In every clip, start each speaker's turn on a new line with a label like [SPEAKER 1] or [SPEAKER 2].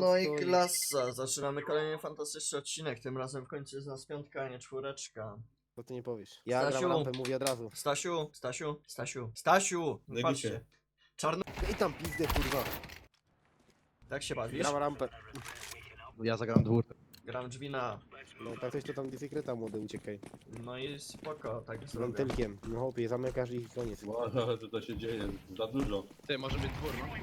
[SPEAKER 1] No i
[SPEAKER 2] stoi.
[SPEAKER 1] klasa, zaczynamy kolejny fantastyczny odcinek, tym razem w końcu jest nas piątka, a nie czwóreczka.
[SPEAKER 2] To ty nie powiesz. Ja
[SPEAKER 1] Stasiu.
[SPEAKER 2] gram rampę, mówię od razu.
[SPEAKER 1] Stasiu, no
[SPEAKER 3] Nie
[SPEAKER 1] patrzcie.
[SPEAKER 3] bicie.
[SPEAKER 1] Czarno...
[SPEAKER 2] I tam pizdę, kurwa.
[SPEAKER 1] Tak się bawisz?
[SPEAKER 2] Gram rampę.
[SPEAKER 4] Ja zagram dwór.
[SPEAKER 1] Gram drzwi na...
[SPEAKER 2] No tak coś to tam dysekreta młody, uciekaj.
[SPEAKER 1] No i spoko, tak
[SPEAKER 2] Z
[SPEAKER 1] zrobię.
[SPEAKER 2] wentylkiem. No chłopie, zamykasz i koniec.
[SPEAKER 3] Wow, co to się dzieje? Za dużo.
[SPEAKER 4] Ty, może być dwór, no?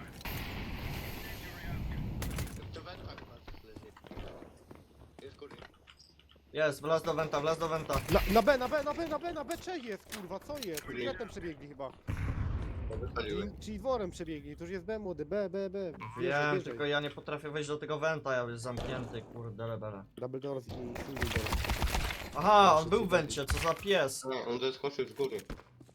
[SPEAKER 1] Jest, wlazł do wenta,
[SPEAKER 2] Na B, czy jest, kurwa, co jest? Kretem przebiegli chyba. Czyli dworem przebiegli, to już jest B młody, B.
[SPEAKER 1] Wiem,
[SPEAKER 2] Wjeżdżaj.
[SPEAKER 1] tylko ja nie potrafię wejść do tego wenta, ja jest zamknięty, kurde lebele.
[SPEAKER 2] Double doors i single doors.
[SPEAKER 1] Aha, on był w wencie, co za pies.
[SPEAKER 5] No, on zeskoczył z góry.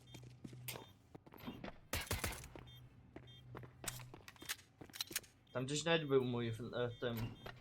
[SPEAKER 1] Tam gdzieś nawet był mój w tym...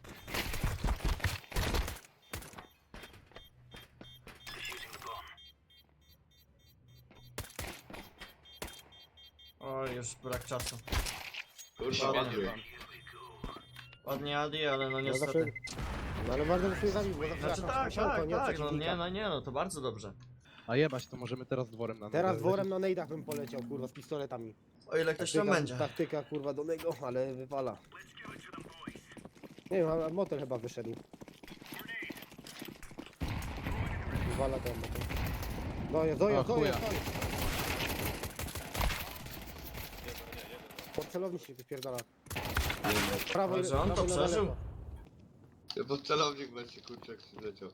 [SPEAKER 1] Oj, już brak czasu.
[SPEAKER 5] Kurwa, ładnie.
[SPEAKER 1] Ładnie Adi, ale no
[SPEAKER 2] No zawsze...
[SPEAKER 1] niestety.
[SPEAKER 2] No ale bardzo by się zabił, bo zawsze
[SPEAKER 1] Znaczy
[SPEAKER 2] jakaś
[SPEAKER 1] tak,
[SPEAKER 2] musiałka,
[SPEAKER 1] tak,
[SPEAKER 2] nie od
[SPEAKER 1] tak, no
[SPEAKER 2] przeciwnika.
[SPEAKER 1] nie, no to bardzo dobrze.
[SPEAKER 4] A jebać, to możemy teraz dworem na
[SPEAKER 2] Teraz
[SPEAKER 4] nogę
[SPEAKER 2] dworem na nejdach bym poleciał, kurwa, z pistoletami.
[SPEAKER 1] O ile ktoś tam będzie.
[SPEAKER 2] Taktyka, kurwa, do nego, ale wypala. Nie wiem, a motel chyba wyszedł. Wywala ten motel. Dojazd.
[SPEAKER 4] chuja.
[SPEAKER 2] Pod celownik się wypierdala. Prawo,
[SPEAKER 1] Ale że on to
[SPEAKER 2] prawo na
[SPEAKER 1] przeżył?
[SPEAKER 2] lewo.
[SPEAKER 5] Bo celownik będzie kurczak przyleciał.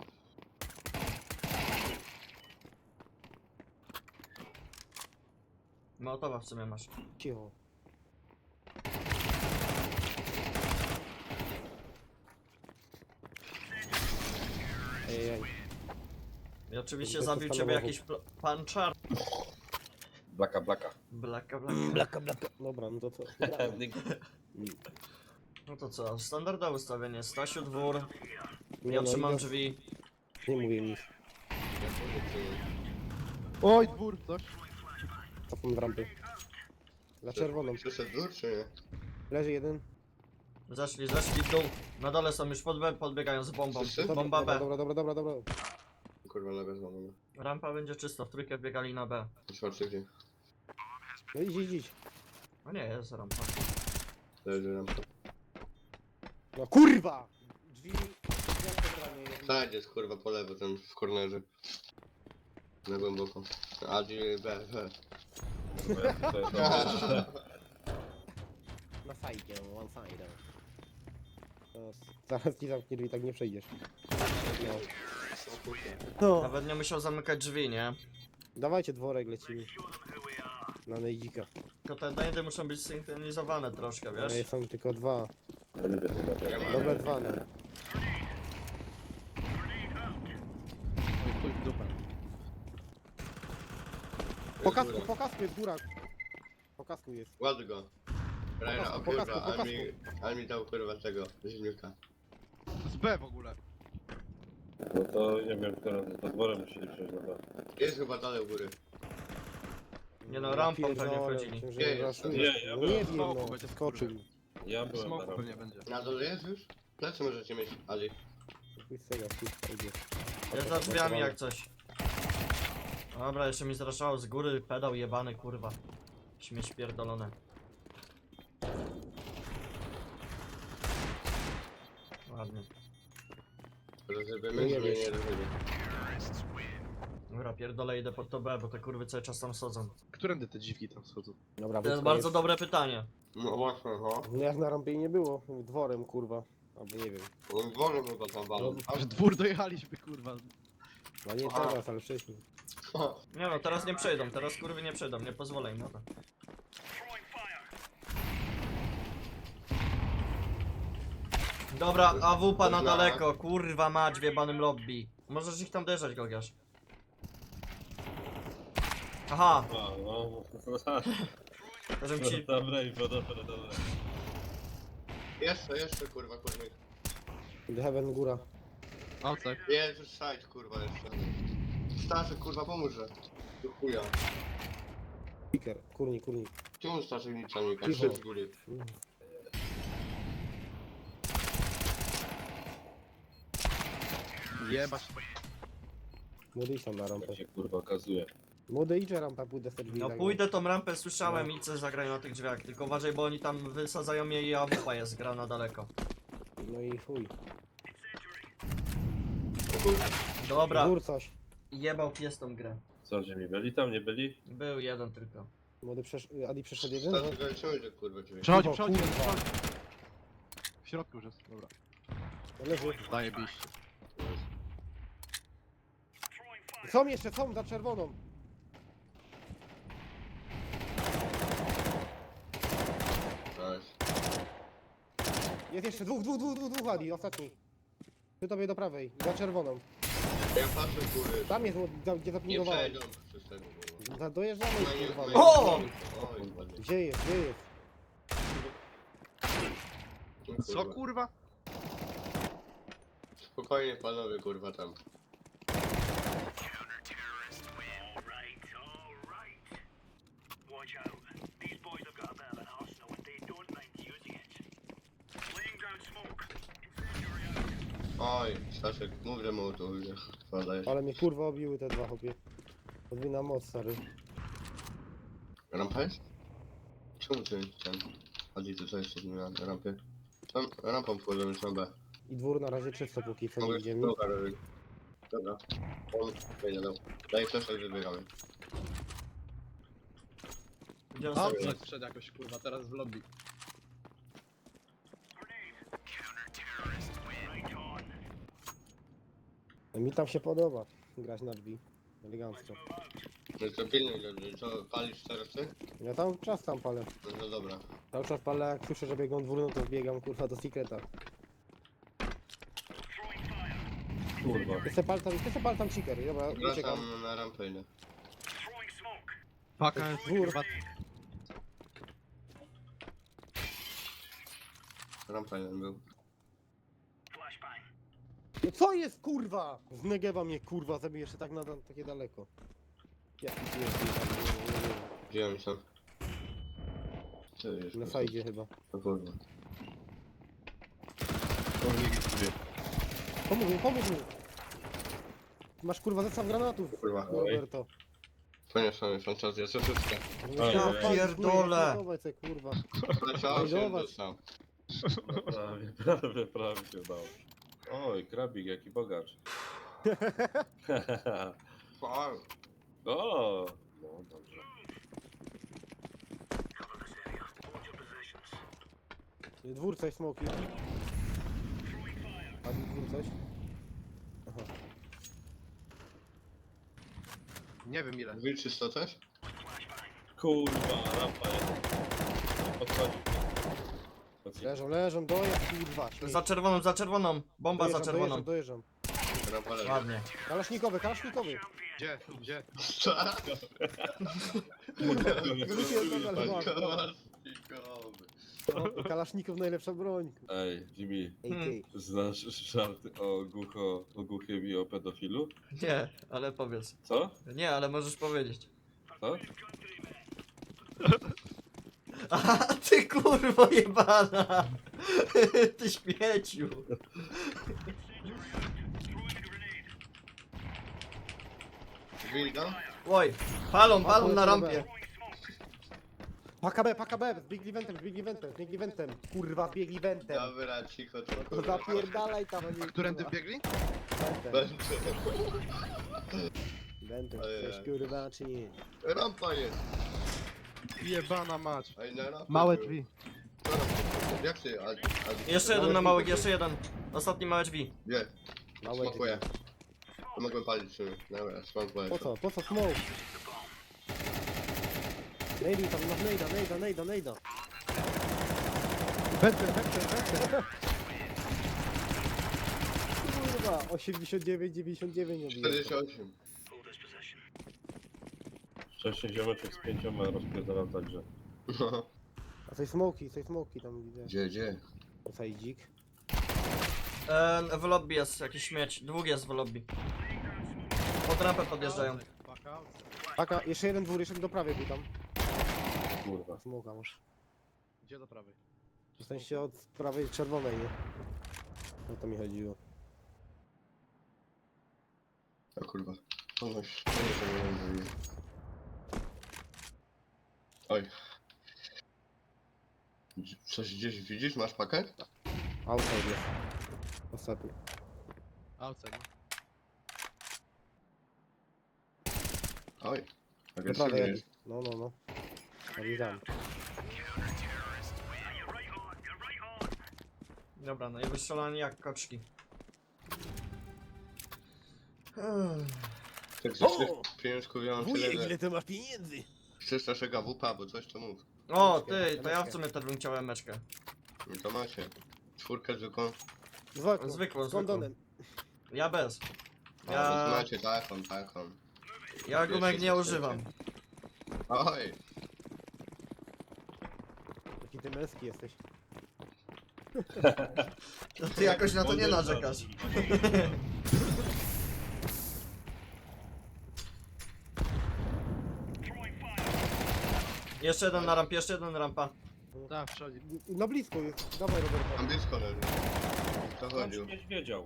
[SPEAKER 1] Mołotowa w sumie masz.
[SPEAKER 2] Cicho. Ej.
[SPEAKER 1] I oczywiście
[SPEAKER 2] Bez
[SPEAKER 1] zabił ciebie
[SPEAKER 2] podstawowych.
[SPEAKER 1] jakiś pan czar...
[SPEAKER 3] Blaka.
[SPEAKER 1] Blaka.
[SPEAKER 2] Blaka. Dobra, no to co?
[SPEAKER 1] No to co, standardowe ustawienie. Stasiu dwór,
[SPEAKER 2] Nie,
[SPEAKER 1] ja
[SPEAKER 2] no,
[SPEAKER 1] trzymam
[SPEAKER 2] idę-
[SPEAKER 1] drzwi.
[SPEAKER 2] Nie mówię nic.
[SPEAKER 4] Oj, dwór, coś.
[SPEAKER 2] Cofam w rampy. Za czerwoną.
[SPEAKER 5] Przyszedł dół, czy nie?
[SPEAKER 2] Leży jeden.
[SPEAKER 1] Zeszli w dół. Na dole są już podbiegają z bombą.
[SPEAKER 5] Wszyscy?
[SPEAKER 1] Bomba B.
[SPEAKER 2] Dobra.
[SPEAKER 5] Kurwa, nogę złamana.
[SPEAKER 1] Rampa będzie czysto, w trójkę wbiegali na B.
[SPEAKER 5] Czwarty gdzie?
[SPEAKER 2] No idź.
[SPEAKER 1] No nie, jest rampa.
[SPEAKER 5] Leży rampa.
[SPEAKER 2] No kurwa! Drzwi...
[SPEAKER 5] Tak, jest kurwa po lewo, ten w kornerze. Na głęboko. A gdzie B.
[SPEAKER 2] Na sajdzie, one side. Zaraz ci zamknie drzwi, tak nie przejdziesz. No.
[SPEAKER 1] Nawet nie musiał zamykać drzwi, nie?
[SPEAKER 2] Dawajcie dworek, lecimy. Na nejdzika.
[SPEAKER 1] Tylko te najdy muszą być synchronizowane troszkę,
[SPEAKER 2] Ale
[SPEAKER 1] wiesz?
[SPEAKER 2] są tylko dwa. Dobre dwa, no.
[SPEAKER 4] Oj, chuj w dupę.
[SPEAKER 2] Po kasku jest góra. Po kasku jest.
[SPEAKER 5] Ładny go. Rajna, o
[SPEAKER 2] Po kasku,
[SPEAKER 5] kurwa,
[SPEAKER 2] po kasku.
[SPEAKER 5] ale mi dał kurwa tego, zimniuka.
[SPEAKER 4] Z B w ogóle.
[SPEAKER 3] No to nie wiem, które to dworem musieli przejść na to.
[SPEAKER 5] Jest chyba dalej u góry.
[SPEAKER 1] Nie no, rampą pewnie
[SPEAKER 2] Pierdolę,
[SPEAKER 1] wchodzili.
[SPEAKER 2] myślę, że
[SPEAKER 5] Nie, jest.
[SPEAKER 2] raszujesz.
[SPEAKER 3] Nie, ja
[SPEAKER 2] No
[SPEAKER 3] byłem
[SPEAKER 2] nie
[SPEAKER 3] w
[SPEAKER 2] wiem,
[SPEAKER 4] smoku,
[SPEAKER 2] no,
[SPEAKER 4] będzie
[SPEAKER 2] skoczył.
[SPEAKER 3] Ja byłem na
[SPEAKER 4] Smoku
[SPEAKER 3] rampie.
[SPEAKER 4] pewnie będzie.
[SPEAKER 5] Na dole jest już? Plecy możecie mieć, Ali.
[SPEAKER 2] Chuj z tego, chuj, idzie.
[SPEAKER 1] Jest za drzwiami jak coś. Dobra, jeszcze mi zraszało z góry, pedał jebany, kurwa. Śmieć pierdolone. Ładnie.
[SPEAKER 5] Rozrybiemy,
[SPEAKER 2] Nie
[SPEAKER 5] czy nie
[SPEAKER 2] wiesz.
[SPEAKER 5] rozrybiemy?
[SPEAKER 1] Dobra, pierdolę, idę pod to B, bo te kurwy cały czas tam sodzą.
[SPEAKER 4] Którędy te dziwki tam schodzą?
[SPEAKER 2] Dobra,
[SPEAKER 1] To jest
[SPEAKER 2] wyspka
[SPEAKER 1] bardzo dobre pytanie.
[SPEAKER 5] No właśnie, no.
[SPEAKER 2] No jak na rampie nie było, dworem kurwa. Albo nie wiem.
[SPEAKER 5] On dworem chyba tam walą.
[SPEAKER 4] Aż dwór dojechaliśmy, kurwa.
[SPEAKER 2] No nie
[SPEAKER 5] Aha.
[SPEAKER 2] teraz, ale wcześniej.
[SPEAKER 1] Nie no, teraz nie przejdą, teraz kurwy nie przejdą, nie pozwolę im na to. Dobra, AWP na daleko, kurwa mać w jebanym lobby. Możesz ich tam derzać, Gogiasz. Aha,
[SPEAKER 3] A, no.
[SPEAKER 1] żebym ci...
[SPEAKER 3] Dobra, dobra.
[SPEAKER 5] Jeszcze kurwa, kurwa.
[SPEAKER 2] The Heaven góra.
[SPEAKER 4] Outside.
[SPEAKER 5] Jest już side kurwa jeszcze. Staszek kurwa pomóże. Do chuja.
[SPEAKER 2] Piker, kurnik.
[SPEAKER 5] Czemu Staszek nic tam nie
[SPEAKER 2] Cicho.
[SPEAKER 5] każe z góry?
[SPEAKER 4] Jebać.
[SPEAKER 2] Młody idź tam na rampę.
[SPEAKER 3] Ja się kurwa okazuje.
[SPEAKER 2] Młody idź na rampę, pójdę sobie drzwi
[SPEAKER 1] No
[SPEAKER 2] zagrać.
[SPEAKER 1] pójdę tą rampę, słyszałem i co zagrają na tych drzwiach. Tylko uważaj, bo oni tam wysadzają mnie i AWP jest gra na daleko.
[SPEAKER 2] No i chuj.
[SPEAKER 1] Dobra,
[SPEAKER 2] Dwór coś.
[SPEAKER 1] jebał pies tą grę.
[SPEAKER 3] Co, że mi byli tam, nie byli?
[SPEAKER 1] Był jeden tylko.
[SPEAKER 2] Młody Adi przeszedł jeden? No.
[SPEAKER 5] Staty zaliczymy, że kurwa ciebie.
[SPEAKER 4] Przechodzi,
[SPEAKER 2] Kurwa,
[SPEAKER 4] przechodzi,
[SPEAKER 2] kurwa.
[SPEAKER 4] przechodzi. W środku już jest, dobra.
[SPEAKER 2] Leży.
[SPEAKER 4] Zajebiście.
[SPEAKER 2] Są jeszcze, są za czerwoną.
[SPEAKER 5] Nice.
[SPEAKER 2] Jest jeszcze dwóch Adi, ostatni. Ty tobie do prawej, za czerwoną.
[SPEAKER 5] Ja patrzę góry.
[SPEAKER 2] Tam jest, gdzie
[SPEAKER 5] Nie
[SPEAKER 2] zapingowałem.
[SPEAKER 5] przejdą przez tego kurwa.
[SPEAKER 2] Dojeżdżamy,
[SPEAKER 5] No nie,
[SPEAKER 2] kurwa.
[SPEAKER 5] no
[SPEAKER 2] no.
[SPEAKER 1] O!
[SPEAKER 5] Oj, ładnie.
[SPEAKER 2] Gdzie jest, gdzie jest?
[SPEAKER 4] Co kurwa?
[SPEAKER 5] Spokojnie panowie kurwa tam. Oj, Staszek, mów, że mu to wpadajesz.
[SPEAKER 2] Ale mnie kurwa obiły te dwa chłopie. Podwójna moc, stary.
[SPEAKER 5] Rampa jest? Czemu ty ten? Chodzi tu co jeszcze z nim na rampie? Tam rampą wchodzą już na B.
[SPEAKER 2] I dwór na razie czysto, póki co nie
[SPEAKER 5] Mogę
[SPEAKER 2] idziemy.
[SPEAKER 5] druga robić. Dobra. On wejdzie do. Daj flesza i wybiegamy.
[SPEAKER 1] Gdzie on
[SPEAKER 4] Outside
[SPEAKER 1] sobie?
[SPEAKER 4] wszedł jakoś kurwa, teraz w lobby.
[SPEAKER 2] Mi tam się podoba grać na drzwi. Elegancko.
[SPEAKER 5] No to pilnuj, że co, palisz teraz ty?
[SPEAKER 2] Ja tam czas tam palę.
[SPEAKER 5] No to dobra.
[SPEAKER 2] Cały czas palę, jak słyszę, że biegną dwór, no to wbiegam kurwa do secreta.
[SPEAKER 3] Kurwa.
[SPEAKER 2] Ty se pal tam seeker, dobra, uciekam.
[SPEAKER 5] Wracam na rampę idę.
[SPEAKER 4] Paka jest
[SPEAKER 2] Dwór.
[SPEAKER 4] kurwa.
[SPEAKER 5] Rampa jeden był.
[SPEAKER 2] No co jest kurwa? Z Negewa mnie kurwa zabije jeszcze tak na takie daleko. Jaki jest
[SPEAKER 5] Wziąłem się. Co jest?
[SPEAKER 2] na sajdzie chyba.
[SPEAKER 5] No kurwa.
[SPEAKER 2] Pomóż mu! Masz kurwa zestaw granatów,
[SPEAKER 5] Kurwa.
[SPEAKER 2] Roberto.
[SPEAKER 5] Poniosłem fantazję, co to jest?
[SPEAKER 1] Ja pierdolę.
[SPEAKER 2] Kurwa.
[SPEAKER 5] Leciał się
[SPEAKER 2] Zobacz.
[SPEAKER 5] dostał.
[SPEAKER 3] Prawie się dało. Oj, krabik, jaki bogacz.
[SPEAKER 5] Fuck.
[SPEAKER 3] O, no dobrze.
[SPEAKER 2] Dwór coś, smoki. A dwór coś? Aha.
[SPEAKER 4] Nie wiem ile.
[SPEAKER 5] Drzwi czysto też?
[SPEAKER 3] Kurwa, rampa jest. Podchodzi.
[SPEAKER 2] Leżą, dojazd kurwa. śmieć.
[SPEAKER 1] Za czerwoną. Bomba za czerwoną.
[SPEAKER 2] Dojeżdżam.
[SPEAKER 5] Rampa leży.
[SPEAKER 1] Ładnie.
[SPEAKER 2] Kalasznikowy.
[SPEAKER 4] Gdzie? Gdzie?
[SPEAKER 5] Co?
[SPEAKER 2] Wypierdolę, ale mam.
[SPEAKER 5] Kalasznikowy.
[SPEAKER 2] O, Kalasznikow najlepsza broń.
[SPEAKER 3] Ej, Jimmy,
[SPEAKER 2] AK.
[SPEAKER 3] znasz żarty o głuchym i o pedofilu?
[SPEAKER 1] Nie, ale powiedz.
[SPEAKER 3] Co?
[SPEAKER 1] Nie, ale możesz powiedzieć.
[SPEAKER 3] Co?
[SPEAKER 1] A ty kurwo jebana! Ty śmieciu!
[SPEAKER 5] Drzwi tam?
[SPEAKER 1] Oj, palą na rampie.
[SPEAKER 2] Paka B, zbiegli wentem. Kurwa, zbiegli wentem.
[SPEAKER 5] Dobra, cicho, to
[SPEAKER 2] No
[SPEAKER 5] kurwa.
[SPEAKER 2] zapierdalaj tam, a nie...
[SPEAKER 4] Którędy wbiegli?
[SPEAKER 2] Wentem,
[SPEAKER 5] Ojej.
[SPEAKER 2] chcesz kurwa czy nie?
[SPEAKER 5] Rampa jest.
[SPEAKER 4] Jebana mać.
[SPEAKER 5] Ej, na rampę
[SPEAKER 4] Małe
[SPEAKER 5] był.
[SPEAKER 4] drzwi.
[SPEAKER 5] Co rampę? Jak ty?
[SPEAKER 1] Jeszcze jeden na małych, jeszcze jeden. Ostatni małe drzwi.
[SPEAKER 5] Gdzie?
[SPEAKER 2] Małe
[SPEAKER 5] Smokuję.
[SPEAKER 2] drzwi.
[SPEAKER 5] Mogłem palić czy dobra, smokuję.
[SPEAKER 2] Po co smoke? Nejdy tam, no nejda.
[SPEAKER 4] Wentem.
[SPEAKER 2] Kurwa, 89, 99 odjechał.
[SPEAKER 5] 48.
[SPEAKER 3] Wcześniej ziomeczek z 5 rozpierdalał także.
[SPEAKER 2] A coś smoki tam widzę.
[SPEAKER 5] Gdzie?
[SPEAKER 2] Sajdzik.
[SPEAKER 1] W lobby jest jakiś śmieć. Dwóch jest w lobby. Pod rampę podjeżdżają.
[SPEAKER 4] Paka.
[SPEAKER 2] Paka, jeszcze jeden dwór, jeszcze do prawej był tam.
[SPEAKER 3] Kurwa.
[SPEAKER 2] Smoka masz.
[SPEAKER 4] Gdzie do prawej?
[SPEAKER 2] W sensie od prawej czerwonej, nie? O to mi chodziło.
[SPEAKER 5] O kurwa. Ponoć. Nie wiem. Oj. Coś gdzieś widzisz? Masz pakę?
[SPEAKER 2] Outside jest. Ostatni.
[SPEAKER 4] Outside, no.
[SPEAKER 5] Oj.
[SPEAKER 2] Do prawej
[SPEAKER 5] Agresywnie
[SPEAKER 2] jakiś.
[SPEAKER 5] jest.
[SPEAKER 2] No. Realizam.
[SPEAKER 1] Dobra, no i wystrzelani jak koczki.
[SPEAKER 5] Tak ze trzech pieniążków ja mam tyle, że...
[SPEAKER 2] to masz pieniędzy?
[SPEAKER 5] Chcesz naszego WP, bo coś to mów.
[SPEAKER 1] O, ty, to ja w sumie też bym chciał emeczkę.
[SPEAKER 5] No to macie. Czwórkę zwykłą.
[SPEAKER 1] Zwykłą,
[SPEAKER 2] Z kondonem.
[SPEAKER 1] Ja bez.
[SPEAKER 5] A, no
[SPEAKER 1] Ja,
[SPEAKER 5] to macie taką.
[SPEAKER 1] ja gumek nie używam.
[SPEAKER 5] Oj.
[SPEAKER 2] Jaki ty męski jesteś.
[SPEAKER 1] To ty jakoś na to nie narzekasz. Jeszcze jeden na rampie, jeszcze jeden rampa.
[SPEAKER 4] Tak, przechodzi.
[SPEAKER 2] Na blisko jest. Dawaj Roberta.
[SPEAKER 5] Tam blisko leży. To
[SPEAKER 3] Tam
[SPEAKER 5] chodził.
[SPEAKER 3] nie wiedział.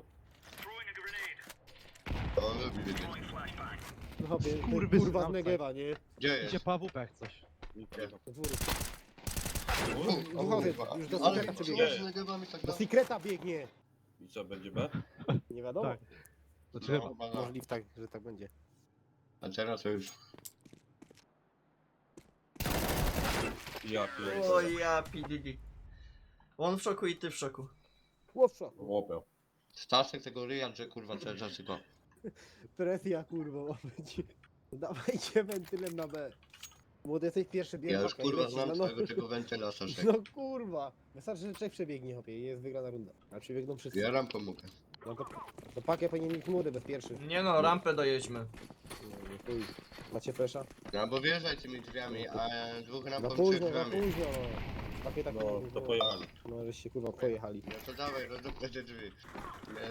[SPEAKER 5] On lubi wiedzieć.
[SPEAKER 2] No hopie,
[SPEAKER 4] Kurwy
[SPEAKER 2] kurwa
[SPEAKER 4] znam
[SPEAKER 2] z Negewa, nie?
[SPEAKER 5] Gdzie
[SPEAKER 4] Idzie
[SPEAKER 5] jest?
[SPEAKER 4] po AWP jak coś.
[SPEAKER 2] Do dwóru.
[SPEAKER 5] O,
[SPEAKER 2] Słuchaj,
[SPEAKER 5] kurwa.
[SPEAKER 2] już do
[SPEAKER 5] Ale
[SPEAKER 2] sekreta
[SPEAKER 5] co
[SPEAKER 2] przebiegnie.
[SPEAKER 5] z nagewami tak
[SPEAKER 2] Do
[SPEAKER 5] dalej?
[SPEAKER 2] sekreta biegnie.
[SPEAKER 3] I co, będzie B?
[SPEAKER 2] Nie wiadomo.
[SPEAKER 4] Tak. Znaczy
[SPEAKER 5] No,
[SPEAKER 4] chyba.
[SPEAKER 5] chyba no.
[SPEAKER 2] Możliwe tak, że tak będzie.
[SPEAKER 5] A teraz to już...
[SPEAKER 3] Ja pierdolę.
[SPEAKER 1] O ja PDD. On w szoku i ty w szoku.
[SPEAKER 2] Łowsza.
[SPEAKER 3] Łopę.
[SPEAKER 5] Staszek tego ryja, że kurwa cały czas tylko...
[SPEAKER 2] Presja kurwa ma być. Dawajcie wentylem na B. Młody jesteś pierwszy bieg.
[SPEAKER 5] Ja już kurwa znam twojego tego wentyla, Staszek.
[SPEAKER 2] No kurwa. Wystarczy, że trzech przebiegnie hopie i jest wygrana runda. A przebiegną wszyscy.
[SPEAKER 5] Ja ram pomogę.
[SPEAKER 2] No to pakę powinien mieć młody bez pierwszy.
[SPEAKER 1] Nie no, rampę dojedźmy.
[SPEAKER 2] No, nie chuj. Macie flesza?
[SPEAKER 5] No bo wjeżdżaj tymi drzwiami, a dwóch
[SPEAKER 2] Za
[SPEAKER 5] rampą przed
[SPEAKER 2] późno, za
[SPEAKER 5] drzwiami.
[SPEAKER 2] późno. Pakie tak
[SPEAKER 3] No, to pojechali.
[SPEAKER 2] No żeście kurwa pojechali.
[SPEAKER 5] No to dawaj, rozdupnę te drzwi. Nie.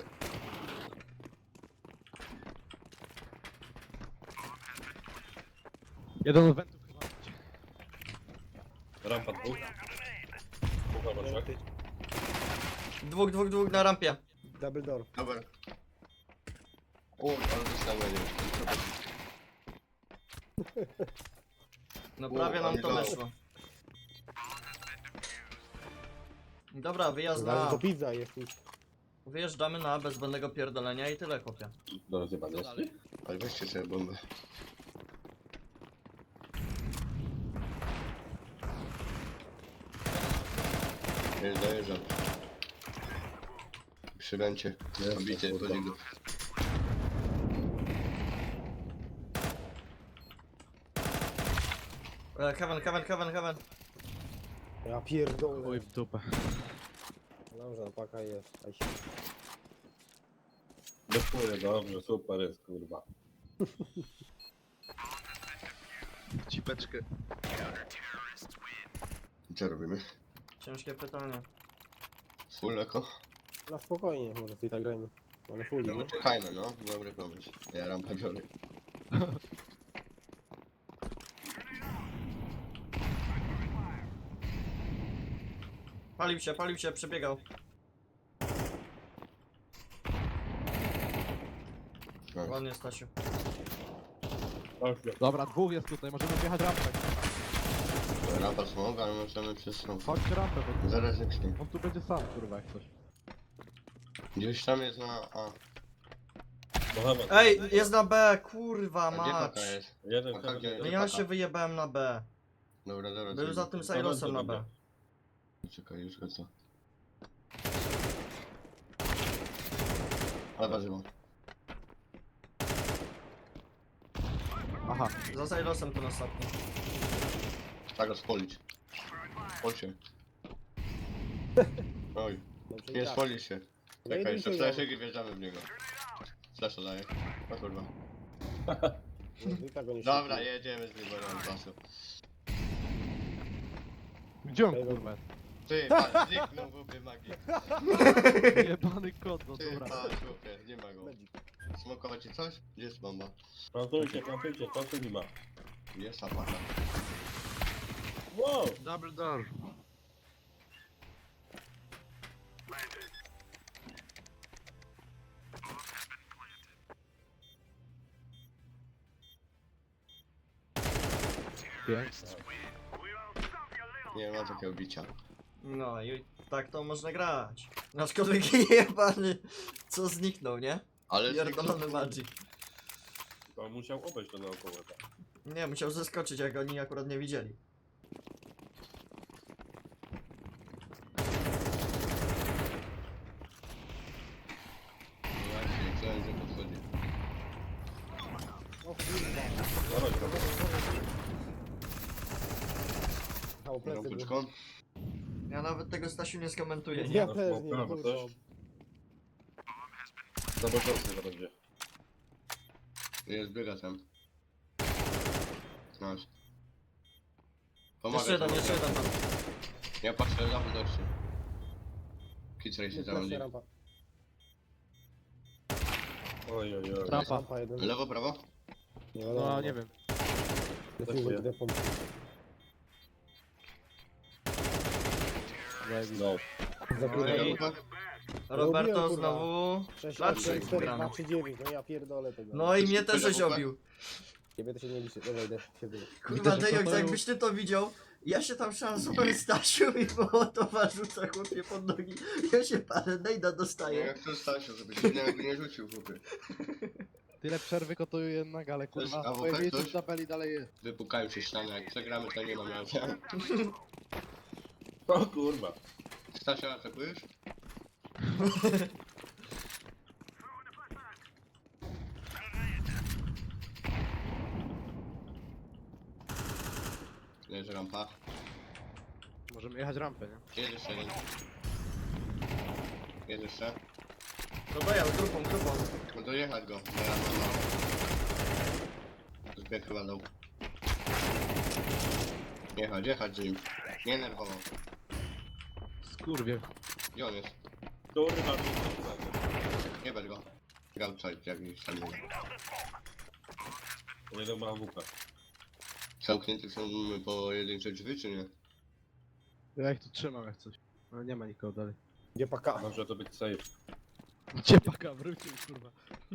[SPEAKER 4] Jeden od wentów chyba.
[SPEAKER 3] Rampa dwóch. Dwóch albo trzech.
[SPEAKER 1] Dwóch na rampie.
[SPEAKER 2] Double door.
[SPEAKER 5] Dobra. O, ale dostałem, nie wiem.
[SPEAKER 1] No prawie nam to
[SPEAKER 5] ale
[SPEAKER 1] weszło. Dobra, wyjazd
[SPEAKER 2] Zaraz
[SPEAKER 1] na
[SPEAKER 2] to pizza jest już.
[SPEAKER 1] Wyjeżdżamy na bez zbędnego pierdolenia i tyle, chłopie.
[SPEAKER 3] Do rozjebania.
[SPEAKER 5] Ale weźcie sobie bombę. Dojeżdżam. Przy ręcie.
[SPEAKER 3] Jest,
[SPEAKER 5] Obity
[SPEAKER 3] kurwa.
[SPEAKER 5] poligon.
[SPEAKER 1] Heaven.
[SPEAKER 2] Ja pierdolę.
[SPEAKER 4] Oj w dupę.
[SPEAKER 2] Dobrze, paka jest. Aj.
[SPEAKER 3] Bezpłynie, dobrze, super jest, kurwa.
[SPEAKER 4] Cipeczkę.
[SPEAKER 5] Co robimy?
[SPEAKER 1] Ciężkie pytanie.
[SPEAKER 5] Full eko?
[SPEAKER 2] Na spokojnie, może i tak grajmy. Ale full,
[SPEAKER 5] No
[SPEAKER 2] nie?
[SPEAKER 5] czekajmy, no. Dobry pomysł. Ja rampę biorę.
[SPEAKER 1] Palił się, przebiegał.
[SPEAKER 5] No.
[SPEAKER 1] Ładnie, Stasiu.
[SPEAKER 3] Dobrze.
[SPEAKER 4] Dobra, dwóch jest tutaj, możemy wjechać rampę.
[SPEAKER 5] Rampa smoga, ale możemy przez tą.
[SPEAKER 4] Chodź rampę, bo
[SPEAKER 5] Zaraz jak nie.
[SPEAKER 4] on tu będzie sam, kurwa, jak coś.
[SPEAKER 5] Gdzieś tam jest na A.
[SPEAKER 3] Mohamed.
[SPEAKER 1] Ej, jest na B, kurwa
[SPEAKER 5] A gdzie
[SPEAKER 1] mać.
[SPEAKER 5] paka jest?
[SPEAKER 3] Jeden
[SPEAKER 5] Paka
[SPEAKER 3] heaven,
[SPEAKER 5] gdzie?
[SPEAKER 3] jeden
[SPEAKER 1] No ja się wyjebałem na B.
[SPEAKER 5] Dobra.
[SPEAKER 1] Był
[SPEAKER 5] co
[SPEAKER 1] za
[SPEAKER 5] idzie?
[SPEAKER 1] tym Silosem na B.
[SPEAKER 5] Czekaj, już go co. Ale warzywo.
[SPEAKER 4] Aha.
[SPEAKER 1] Za Silosem ten ostatni.
[SPEAKER 5] Tak go spolić. Spol się. Oj,
[SPEAKER 2] Dobrze,
[SPEAKER 5] nie
[SPEAKER 2] i tak.
[SPEAKER 5] spoli się.
[SPEAKER 2] No
[SPEAKER 5] Czekaj,
[SPEAKER 2] i
[SPEAKER 5] jeszcze
[SPEAKER 2] dzisiaj
[SPEAKER 5] fleszek i wjeżdżamy w niego. Flasza daję. O kurwa.
[SPEAKER 2] I tak go nie
[SPEAKER 5] Dobra,
[SPEAKER 2] szybko.
[SPEAKER 5] jedziemy z wyborem czasu.
[SPEAKER 4] Gdzie on kurwa jest?
[SPEAKER 5] Ty, patrz, zniknął w łupie magii.
[SPEAKER 4] Jebany kot, no
[SPEAKER 5] Ty,
[SPEAKER 4] dobra.
[SPEAKER 5] patrz, w łupie, nie ma go.
[SPEAKER 2] Magic.
[SPEAKER 5] Smokować ci coś? Gdzie jest bomba?
[SPEAKER 3] Plantujcie, to tu nie ma.
[SPEAKER 5] Jest apaka.
[SPEAKER 3] Wow!
[SPEAKER 4] Double door. Pięknie.
[SPEAKER 5] Nie ma takiego bicia.
[SPEAKER 1] No i tak to można grać. Aczkolwiek jebany, co zniknął, nie?
[SPEAKER 5] Ale
[SPEAKER 1] Pierdolony Magic.
[SPEAKER 3] To musiał obejść to naokoło. Tak.
[SPEAKER 1] Nie, musiał zeskoczyć, jak oni akurat nie widzieli.
[SPEAKER 5] Właśnie, chciałem, że podchodzi.
[SPEAKER 2] O kurwa.
[SPEAKER 3] Dawaj, dawaj.
[SPEAKER 2] Mało plecy były.
[SPEAKER 5] Rąbeczką?
[SPEAKER 1] Ja nawet tego Stasiu nie skomentuję, nie?
[SPEAKER 2] Ja
[SPEAKER 3] Na
[SPEAKER 2] też nie,
[SPEAKER 3] smoka,
[SPEAKER 2] kurwa.
[SPEAKER 3] coś? Zobaczcie, zaraz gdzie.
[SPEAKER 5] Jest, biega tam. Nice.
[SPEAKER 1] Jeszcze jeden, jeszcze jeden tam.
[SPEAKER 5] Ja patrzę za widocznie. Kitray się tam
[SPEAKER 2] Plecy, rampa.
[SPEAKER 3] Oj, oj, oj.
[SPEAKER 4] Rampa.
[SPEAKER 2] Rampa jeden.
[SPEAKER 5] Lewo, prawo?
[SPEAKER 4] No nie wiem.
[SPEAKER 2] Defuję, defum.
[SPEAKER 3] No.
[SPEAKER 2] Zapierdalam.
[SPEAKER 1] Ej.
[SPEAKER 5] Lewo,
[SPEAKER 1] Roberto
[SPEAKER 2] Robiłem, kurwa.
[SPEAKER 1] znowu...
[SPEAKER 2] 6,
[SPEAKER 1] Klaczyk
[SPEAKER 2] 8, 4,
[SPEAKER 1] gramy.
[SPEAKER 2] 2, 3, 9. No ja pierdolę tego.
[SPEAKER 1] No i mnie też żeś obił.
[SPEAKER 2] Ciebie to się nie liczy. Dobra, idę się wyjść.
[SPEAKER 1] Kurwa,
[SPEAKER 4] że
[SPEAKER 1] Dejox,
[SPEAKER 4] to-
[SPEAKER 1] jakbyś ty to widział, ja się tam szansowałem Stasiu i Mołotowa rzuca chłopie pod nogi. Ja się parę nejda
[SPEAKER 5] No
[SPEAKER 1] dostaję.
[SPEAKER 5] jak to Stasiu, żeby się jakby nie rzucił, chłopie.
[SPEAKER 4] Tyle przerwy kotuję jednak, ale kurwa.
[SPEAKER 5] A
[SPEAKER 4] Twoje
[SPEAKER 5] WP
[SPEAKER 4] miejsce
[SPEAKER 5] ktoś?
[SPEAKER 4] w tabeli dalej jest.
[SPEAKER 5] Wypukają się ściany, jak przegramy to nie ma miasta.
[SPEAKER 3] O kurwa.
[SPEAKER 5] Stasia, atakujesz? Leży rampa.
[SPEAKER 4] Możemy jechać rampę, nie?
[SPEAKER 5] Jest jeszcze jeden. Jest jeszcze.
[SPEAKER 1] To dojał, grupą.
[SPEAKER 5] No dojechać go. Na rampa, no. Zbieg chyba dał. Jechać z nim. Nie nerwowo.
[SPEAKER 4] Skurwie.
[SPEAKER 5] Gdzie on jest?
[SPEAKER 3] Kurwa.
[SPEAKER 5] Nie bierz go. Grał coś, jakiś tam był.
[SPEAKER 3] Jeden ma AWP.
[SPEAKER 5] Zamknięte są pojedyncze drzwi, czy nie?
[SPEAKER 4] Ja ich tu trzymam jak coś. No nie ma nikogo dalej.
[SPEAKER 2] Gdzie paka?
[SPEAKER 3] Może to być safe.
[SPEAKER 4] Gdzie paka wrócił, kurwa.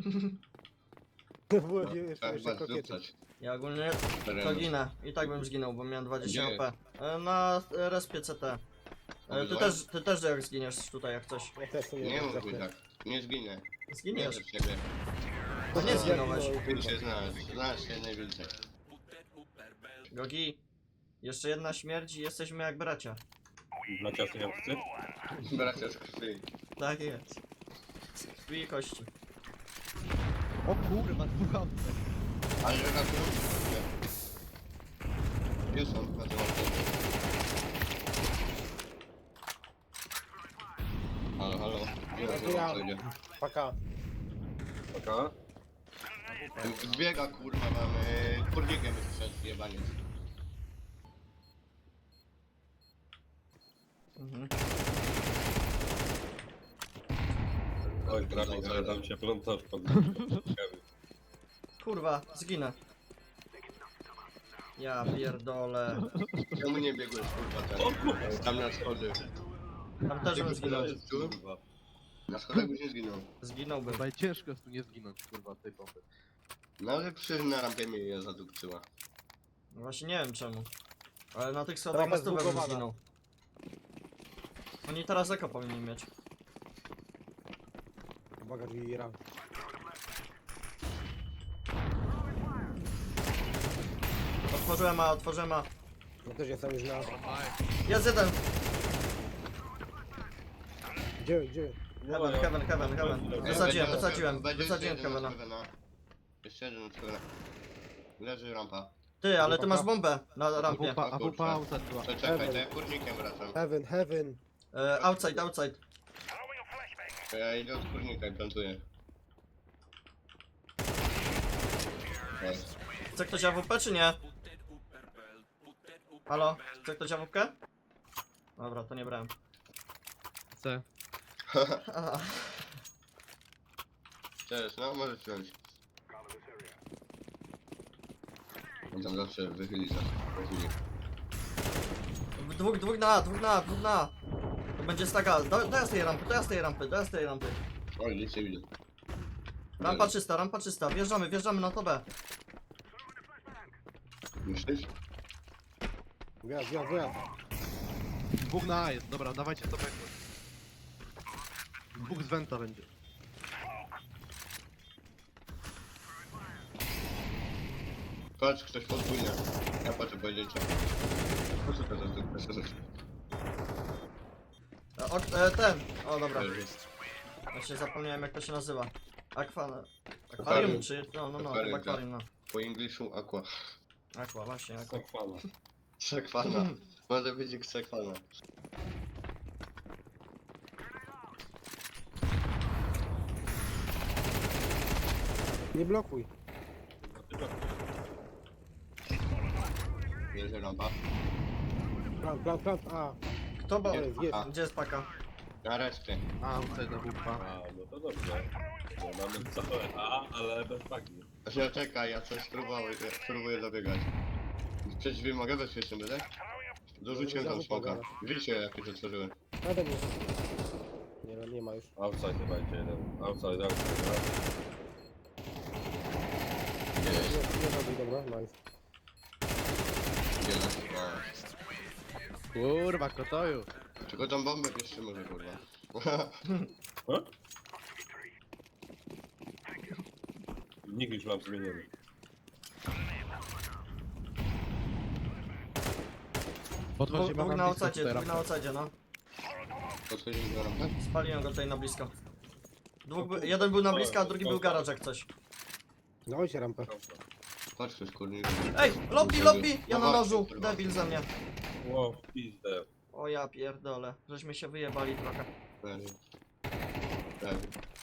[SPEAKER 2] Było jeszcze
[SPEAKER 5] Trzeba chyba
[SPEAKER 2] kokiety.
[SPEAKER 5] zrzucać.
[SPEAKER 1] Ja ogólnie to
[SPEAKER 5] Teren.
[SPEAKER 1] ginę. I tak bym zginął, bo miałem 20
[SPEAKER 5] Gdzie?
[SPEAKER 1] HP. Na respie CT. Ty też jak zginiesz tutaj jak coś.
[SPEAKER 2] Ja też sobie
[SPEAKER 5] Nie mów mi
[SPEAKER 2] zapnę.
[SPEAKER 5] tak. Nie zginę. Nie
[SPEAKER 1] Zginiesz.
[SPEAKER 5] od ciebie.
[SPEAKER 1] To nie zginąłeś.
[SPEAKER 5] Ty się znasz. Znasz się najwięcej.
[SPEAKER 1] Gogi. Jeszcze jedna śmierć i jesteśmy jak bracia.
[SPEAKER 3] Na ciasnej akcji?
[SPEAKER 5] Bracia z krwi.
[SPEAKER 1] Tak jest. Z krwi i kości.
[SPEAKER 4] O kurwa, dwóch autek.
[SPEAKER 5] Ale że na tym... Gdzie są? Na tym Halo, halo. Gdzie
[SPEAKER 2] Ja.
[SPEAKER 5] on idzie?
[SPEAKER 2] Paka.
[SPEAKER 3] Taka?
[SPEAKER 5] Zbiega kurwa, mamy... Kurnikiem wyszedł, jebaniec.
[SPEAKER 1] Mhm.
[SPEAKER 3] Oj, trafik, ale tam się plątasz pod...
[SPEAKER 1] Kurwa, zginę. Ja pierdolę.
[SPEAKER 5] Czemu nie biegłeś kurwa tam na schody?
[SPEAKER 1] Tam też bym zginął.
[SPEAKER 3] Kurwa.
[SPEAKER 5] Na schodach byś nie zginął.
[SPEAKER 1] Zginąłbym.
[SPEAKER 4] Chyba i ciężko jest tu nie zginąć, kurwa, tej pompy.
[SPEAKER 5] No ale przecież na rampie mnie je zadupcyła.
[SPEAKER 1] No właśnie nie wiem czemu. Ale na tych schodach
[SPEAKER 2] Rampa
[SPEAKER 1] na stówę bym
[SPEAKER 2] zbugowana.
[SPEAKER 1] zginął. Oni teraz eko powinni mieć.
[SPEAKER 2] Uwaga, drzwi ram.
[SPEAKER 1] Otworzyłem A.
[SPEAKER 2] No też jestem już na...
[SPEAKER 1] Jest jeden!
[SPEAKER 2] Gdzie?
[SPEAKER 1] Heaven. Wysadziłem
[SPEAKER 5] Będzie jeszcze jeden
[SPEAKER 1] Heavena.
[SPEAKER 5] od Heavena. Jeszcze jeden od Heavena. Leży rampa.
[SPEAKER 1] Ty, ale ty masz bombę na rampie.
[SPEAKER 4] AWP outside była.
[SPEAKER 5] Czekaj, to ja kurnikiem wracam.
[SPEAKER 2] Heaven.
[SPEAKER 1] Outside.
[SPEAKER 5] To ja idę od kurnika i plantuję. Jest.
[SPEAKER 1] Chce ktoś AWP czy nie? Halo? Chce ktoś AWP? Dobra, to nie brałem.
[SPEAKER 4] C.
[SPEAKER 1] Aha.
[SPEAKER 5] Cześć, no możesz wziąć. On tam zawsze wychyli za chwilę.
[SPEAKER 1] Dwóch na A. To będzie staga. Dojazd tej rampy.
[SPEAKER 5] Oj, nic nie widzę.
[SPEAKER 1] Rampa czysta. Wjeżdżamy na to B.
[SPEAKER 5] Myślisz?
[SPEAKER 2] Wjazd, wjazd, wjazd.
[SPEAKER 4] Dwóch na A jest, dobra, dawajcie to backdoor. Dwóch z Venta będzie.
[SPEAKER 5] Patrz, ktoś podwójnie. Ja patrzę pojedyncze. Po co to za to?
[SPEAKER 1] Ten. O, dobra. Właśnie zapomniałem jak to się nazywa. Akwarium
[SPEAKER 5] Akwarium.
[SPEAKER 1] czy... No, chyba
[SPEAKER 5] Akwarium, tak.
[SPEAKER 1] akwarium, no.
[SPEAKER 5] Po engliszu aqua.
[SPEAKER 1] Aqua, właśnie, aqua.
[SPEAKER 3] Sakwala.
[SPEAKER 5] Sekwana. Może być ich sekwana.
[SPEAKER 2] Nie blokuj.
[SPEAKER 5] Bierze rampa.
[SPEAKER 2] Plant, a.
[SPEAKER 1] Kto ba...
[SPEAKER 2] Jest, jest.
[SPEAKER 1] Gdzie jest paka?
[SPEAKER 5] Na resztę.
[SPEAKER 4] A, outside na wupa.
[SPEAKER 3] A, no to dobrze. No, mamy całe A, ale bez paki.
[SPEAKER 5] Znaczy, czekaj, ja coś spróbuję zabiegać. Przecież drzwi mogę bezpiecznie będę? Dorzuciłem tam smoka. Wiecie jak już otworzyłem.
[SPEAKER 2] Nade mnie. Nie ma już.
[SPEAKER 3] Outside chyba idzie jeden. Outside.
[SPEAKER 2] Nie robi, dobra, nice.
[SPEAKER 5] Gdzie nas?
[SPEAKER 4] Kurwa, kotoju.
[SPEAKER 5] Tylko tą bombę jeszcze może kurwa.
[SPEAKER 3] Nikt już mam zmieniony.
[SPEAKER 4] Podchodź
[SPEAKER 1] Dwóch na outside, no.
[SPEAKER 5] Podchodzimy do rampy?
[SPEAKER 1] Spaliłem go tutaj na blisko. Jeden był na blisko, a drugi był garaż jak coś.
[SPEAKER 2] Dawajcie rampę.
[SPEAKER 5] Chodź ktoś kurnik.
[SPEAKER 1] Ej, lobby! Ja na nożu, debil ze mnie.
[SPEAKER 3] Wow, w pizdę.
[SPEAKER 1] O ja pierdolę, żeśmy się wyjebali trochę.
[SPEAKER 5] Prawie. Prawie.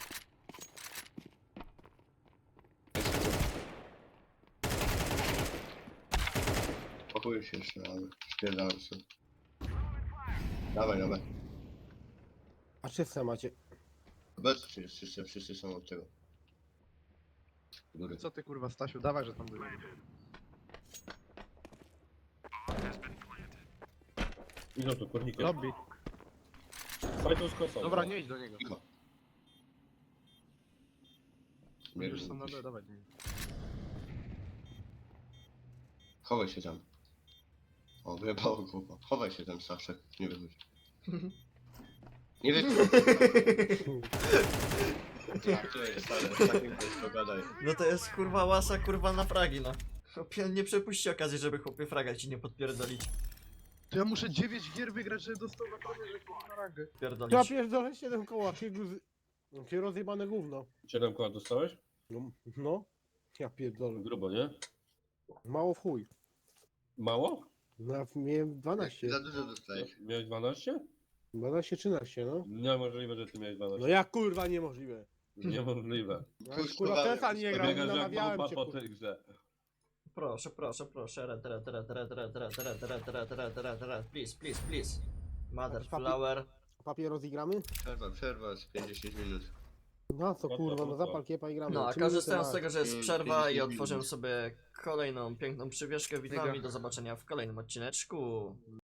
[SPEAKER 5] Pakuję się jeszcze, ale spierdałem się. Dawaj, dawaj.
[SPEAKER 2] A czyste macie.
[SPEAKER 5] Obecnie jest wszyscy są od tego. Góry.
[SPEAKER 4] Co ty kurwa, Stasiu, dawaj, że tam był.
[SPEAKER 3] Idą tu kurnikiem.
[SPEAKER 4] Lobby.
[SPEAKER 3] Fajną z kosą.
[SPEAKER 4] Dobra, nie idź do niego.
[SPEAKER 5] Cicho.
[SPEAKER 4] Już są na B, dawaj do niego.
[SPEAKER 5] Chowaj się tam. O, wyjebało głowa. Chowaj się tam, Staszek. Nie wychodź. Nie wiem. Tak, to jest, ale takim też pogadaj.
[SPEAKER 1] No to jest kurwa łasa kurwa na fragi, no. Chłopie, nie przepuści okazji, żeby chłopie fraga ci nie podpierdolić.
[SPEAKER 4] To ja muszę 9 gier wygrać, żeby dostał na prawie na rangę.
[SPEAKER 2] Ja
[SPEAKER 1] Pierdolić.
[SPEAKER 2] pierdolę 7 koła, jakie rozjebane gówno.
[SPEAKER 3] 7 koła dostałeś?
[SPEAKER 2] No. Ja pierdolę.
[SPEAKER 3] Grubo, nie?
[SPEAKER 2] Mało w chuj.
[SPEAKER 3] Mało?
[SPEAKER 2] No, miałem 12.
[SPEAKER 5] Za dużo dostajesz.
[SPEAKER 3] Miałeś 12?
[SPEAKER 2] 12, 13, no.
[SPEAKER 3] Niemożliwe, że ty miałeś 12.
[SPEAKER 2] No jak kurwa niemożliwe.
[SPEAKER 3] Niemożliwe.
[SPEAKER 2] No, kurwa Tesa nie grał,
[SPEAKER 3] Biegasz jak
[SPEAKER 2] namawiałem
[SPEAKER 3] małpa
[SPEAKER 2] cię
[SPEAKER 3] po
[SPEAKER 2] kurwa.
[SPEAKER 3] tej grze.
[SPEAKER 1] Proszę. Please. Mother flower.
[SPEAKER 2] Papier rozigramy?
[SPEAKER 5] Przerwa z 50 minut.
[SPEAKER 2] No co kurwa, no zapal kiepa i gramy.
[SPEAKER 1] No, a
[SPEAKER 2] 3
[SPEAKER 1] korzystając z
[SPEAKER 2] minuty,
[SPEAKER 1] tego, że jest
[SPEAKER 5] Mm,
[SPEAKER 1] przerwa i
[SPEAKER 5] 50
[SPEAKER 1] otworzyłem
[SPEAKER 5] minut.
[SPEAKER 1] sobie kolejną piękną przywieszkę, witam i do zobaczenia w kolejnym odcineczku.